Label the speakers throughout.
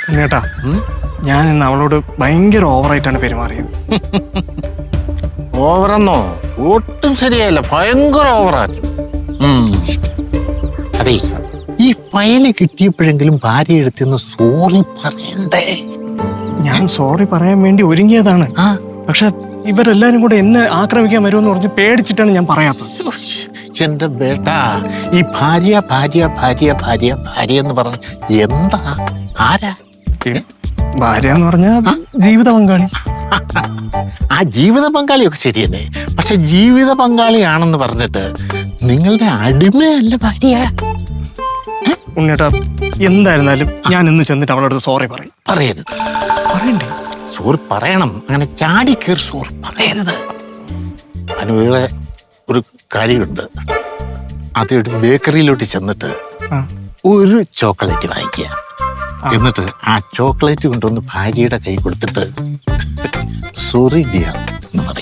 Speaker 1: ഉണ്ണിയേട്ടാ, ഞാൻ ഇന്ന് അവളോട് ഭയങ്കര ഓവറായിട്ടാണ് പെരുമാറിയത്.
Speaker 2: ഓവറെന്നോ? ഒട്ടും ശരിയല്ല, ഭയങ്കര ഓവറായിരുന്നു. അതെ, ഈ ഫയല് കിട്ടിയപ്പോഴെങ്കിലും ഭാര്യ എടുത്തെന്ന് സോറി പറയണ്ടേ?
Speaker 1: ഞാൻ സോറി പറയാൻ വേണ്ടി ഒരുങ്ങിയതാണ്. പക്ഷെ ഇവരെല്ലാരും കൂടെ എന്നെ ആക്രമിക്കാൻ വരുമെന്ന് പറഞ്ഞ് പേടിച്ചിട്ടാണ് ഞാൻ പറയാത്തത്.
Speaker 2: എന്റെ ബേട്ടാ, ഈ ഭാര്യ ഭാര്യ ഭാര്യ ഭാര്യ ഭാര്യ എന്ന് പറഞ്ഞ എന്താ? ആരാ
Speaker 1: ഭാര്യ എന്ന് പറഞ്ഞ ജീവിത പങ്കാളി.
Speaker 2: ആ ജീവിത പങ്കാളിയൊക്കെ ശരിയല്ലേ, പക്ഷെ ജീവിത പങ്കാളിയാണെന്ന് പറഞ്ഞിട്ട് നിങ്ങളുടെ അടിമയല്ല ഭാര്യ.
Speaker 1: ഉണ്ണിയേട്ടാ, എന്തായിരുന്നാലും ഞാൻ ഇന്ന് ചെന്നിട്ട് അവളോട് സോറി പറയും.
Speaker 2: പറയരുത്.
Speaker 1: പറയണ്ടേ?
Speaker 2: സോറി പറയണം. അങ്ങനെ ചാടി കയറി സോറി പറയരുത്. അതിന് വേറെ ഒരു കാര്യമുണ്ട്. ആദ്യമായിട്ട് ബേക്കറിയിലോട്ട് ചെന്നിട്ട് ഒരു ചോക്ലേറ്റ് വാങ്ങിക്കുക. എന്നിട്ട് ആ ചോക്ലേറ്റ് കൊണ്ടുവന്ന് ഭാര്യയുടെ കൈ കൊടുത്തിട്ട് സോറി ഡിയർ എന്ന് പറയാ.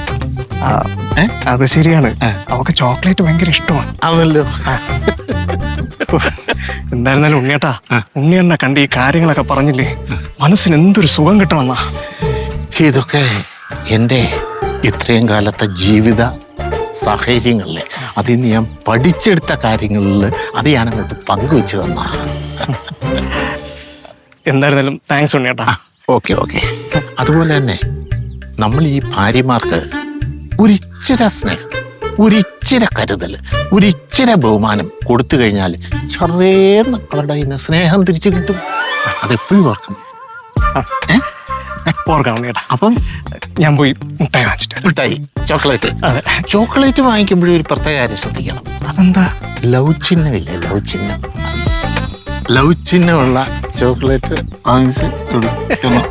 Speaker 1: അത് ശരിയാണ്, അവക്ക് ചോക്ലേറ്റ് ഭയങ്കര ഇഷ്ടമാണ്.
Speaker 2: ആണല്ലോ.
Speaker 1: എന്തായിരുന്നാലും ഉണ്ണിയേട്ടാ, ഉണ്ണിയെണ്ണ കണ്ട് ഈ കാര്യങ്ങളൊക്കെ പറഞ്ഞില്ലേ, മനസ്സിന് എന്തൊരു സുഖം കിട്ടണമെന്നാ.
Speaker 2: ഇതൊക്കെ എൻ്റെ ഇത്രയും കാലത്തെ ജീവിത സാഹചര്യങ്ങളിലെ അതിൽ നിന്ന് ഞാൻ പഠിച്ചെടുത്ത കാര്യങ്ങളിൽ അത് ഞാൻ അങ്ങോട്ട് പങ്കുവെച്ച് തന്നാ.
Speaker 1: എന്തായിരുന്നാലും താങ്ക്സ് ഉണ്ണിയേട്ടാ.
Speaker 2: Okay okay. അതുപോലെ തന്നെ നമ്മൾ ഈ ഭാര്യമാർക്ക് ഒരിച്ചിര സ്നേഹം, ഒരിച്ചിര കരുതൽ, ഒരിച്ചിര ബഹുമാനം കൊടുത്തു കഴിഞ്ഞാൽ ചെറിയെന്ന് അവരുടെ കയ്യിൽ നിന്ന് സ്നേഹം തിരിച്ചു കിട്ടും. അതെപ്പോഴും ഓർക്കണം.
Speaker 1: ഓർക്കണം ഉണ്ണിയേട്ടാ.
Speaker 2: അപ്പം
Speaker 1: ഞാൻ പോയി മിഠായി വാങ്ങിച്ചിട്ട്.
Speaker 2: മിഠായി, ചോക്ലേറ്റ്. ചോക്ലേറ്റ് വാങ്ങിക്കുമ്പോഴും ഒരു പ്രത്യേക കാര്യം ശ്രദ്ധിക്കണം.
Speaker 1: അതെന്താ?
Speaker 2: ലവ് ചിഹ്നമില്ലേ? ലവ് ചിഹ്നം, ലവ് ചിഹ്നമുള്ള ചോക്ലേറ്റ് വാങ്ങിച്ച് കൊടുക്കണം.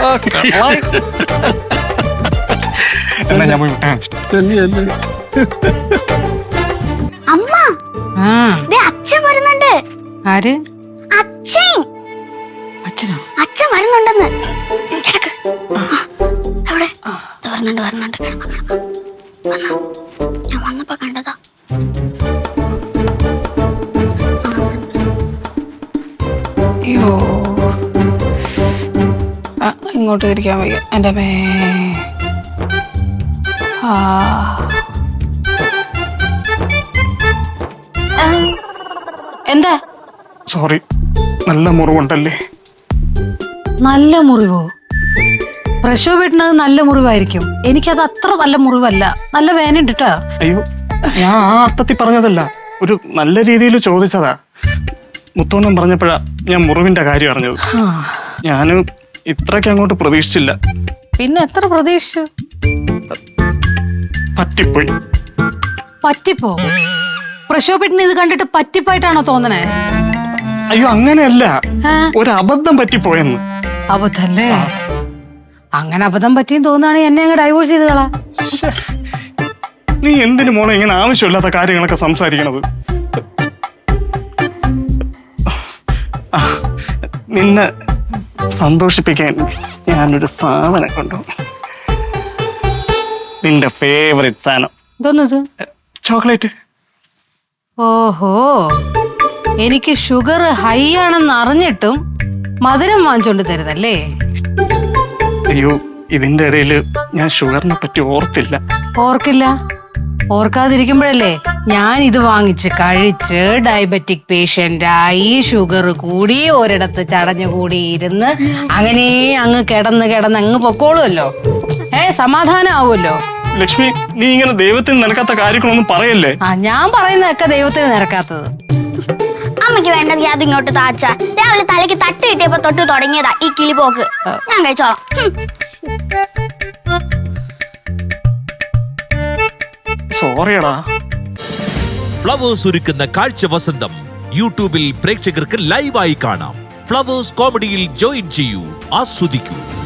Speaker 1: ഞാൻ പോയി മിഠായി വാങ്ങിച്ചിട്ട്.
Speaker 3: അമ്മ, അച്ഛൻ വരുന്നുണ്ട്.
Speaker 4: ആര്?
Speaker 3: അച്ഛൻ.
Speaker 4: അച്ഛനോ?
Speaker 3: അച്ഛൻ വരുന്നുണ്ടെന്ന്. എവിടെ? വരുന്നുണ്ട്. ഞാൻ വന്നപ്പോ കണ്ടതാ.
Speaker 4: അയ്യോ, ഇങ്ങോട്ട് ഇരിക്കാൻ വയ്യ എൻ്റെ മേ. എന്താ?
Speaker 1: സോറി, നല്ല മുറിവുണ്ടല്ലേ?
Speaker 4: നല്ല മുറിവോ? പ്രസവപ്പെട്ടുന്നത് നല്ല മുറിവായിരിക്കും. എനിക്കത് അത്ര നല്ല മുറിവല്ല, നല്ല വേദനയുണ്ട് കേട്ടോ.
Speaker 1: അയ്യോ, ഞാൻ ആ അർത്ഥത്തിൽ പറഞ്ഞതല്ല, ഒരു നല്ല രീതിയിൽ ചോദിച്ചതാ. മുത്തോണ്ണം പറഞ്ഞപ്പോഴാ ഞാൻ മുറിവിന്റെ കാര്യം അറിഞ്ഞത്. ഞാൻ ഇത്രയ്ക്ക് അങ്ങോട്ട് പ്രതീക്ഷിച്ചില്ല.
Speaker 4: പിന്നെ എത്ര പ്രതീക്ഷിച്ചു? പറ്റിപ്പോ? പ്രസവപ്പെട്ടിന് ഇത് കണ്ടിട്ട് പറ്റിപ്പായിട്ടാണോ തോന്നണേ?
Speaker 1: അയ്യോ, അങ്ങനെയല്ല, ഒരു അബദ്ധം പറ്റിപ്പോയെന്ന്.
Speaker 4: അബദ്ധല്ലേ? അങ്ങനെ അബദ്ധം പറ്റിയും തോന്നുകയാണെങ്കിൽ എന്നെ അങ്ങ് ഡൈവോഴ്സ് ചെയ്ത് കളാ.
Speaker 1: നീ എന്തിനു മോളെ ഇങ്ങനെ ആവശ്യമില്ലാത്ത കാര്യങ്ങളൊക്കെ സംസാരിക്കണത്? നിന്നെ സന്തോഷിപ്പിക്കാൻ ഞാനൊരു സാധനം കൊണ്ടു. നിന്റെ ഫേവറേറ്റ് സാധനം.
Speaker 4: എന്തോന്നത്?
Speaker 1: ചോക്ലേറ്റ്.
Speaker 4: ഓഹോ, എനിക്ക് ഷുഗർ ഹൈ ആണെന്ന് അറിഞ്ഞിട്ടും മധുരം വാങ്ങിച്ചോണ്ട് തരുന്നല്ലേ?
Speaker 1: അയ്യോ, ഇതിന്റെ ഇടയിൽ ഞാൻ ഷുഗറിനെ പറ്റി ഓർത്തില്ല.
Speaker 4: ഓർക്കില്ല? ഓർക്കാതിരിക്കുമ്പോഴല്ലേ ഞാൻ ഇത് വാങ്ങിച്ച് കഴിച്ച് ഡയബറ്റിക് പേഷ്യന്റായി, ഷുഗർ കൂടി, ഒരിടത്ത് ചടഞ്ഞുകൂടി ഇരുന്ന് അങ്ങനെ അങ്ങ് കിടന്ന് അങ്ങ് പൊക്കോളുമല്ലോ. സമാധാനം ആവുമല്ലോ.
Speaker 1: ലക്ഷ്മി, നീ ഇങ്ങനെ ദൈവത്തിന് നിരക്കാത്ത കാര്യങ്ങളൊന്നും പറയല്ലേ.
Speaker 4: ഞാൻ പറയുന്നതൊക്കെ ദൈവത്തിന് നിരക്കാത്തത്.
Speaker 3: അമ്മയ്ക്ക് വേണ്ടെങ്കിൽ അത് ഇങ്ങോട്ട് താച്ച. രാവിലെ തലയ്ക്ക് തട്ട് കിട്ടിയപ്പോ തൊട്ട് തുടങ്ങിയതാ ഈ കിളിപോക്ക്. ഞാൻ കഴിച്ചോളാം.
Speaker 1: സോറിയടാ.
Speaker 5: ഫ്ലവേഴ്സ് ഒരുക്കുന്ന കാഴ്ച വസന്തം യൂട്യൂബിൽ പ്രേക്ഷകർക്ക് ലൈവായി കാണാം. ഫ്ലവേഴ്സ് കോമഡിയിൽ ജോയിൻ ചെയ്യൂ, ആസ്വദിക്കൂ.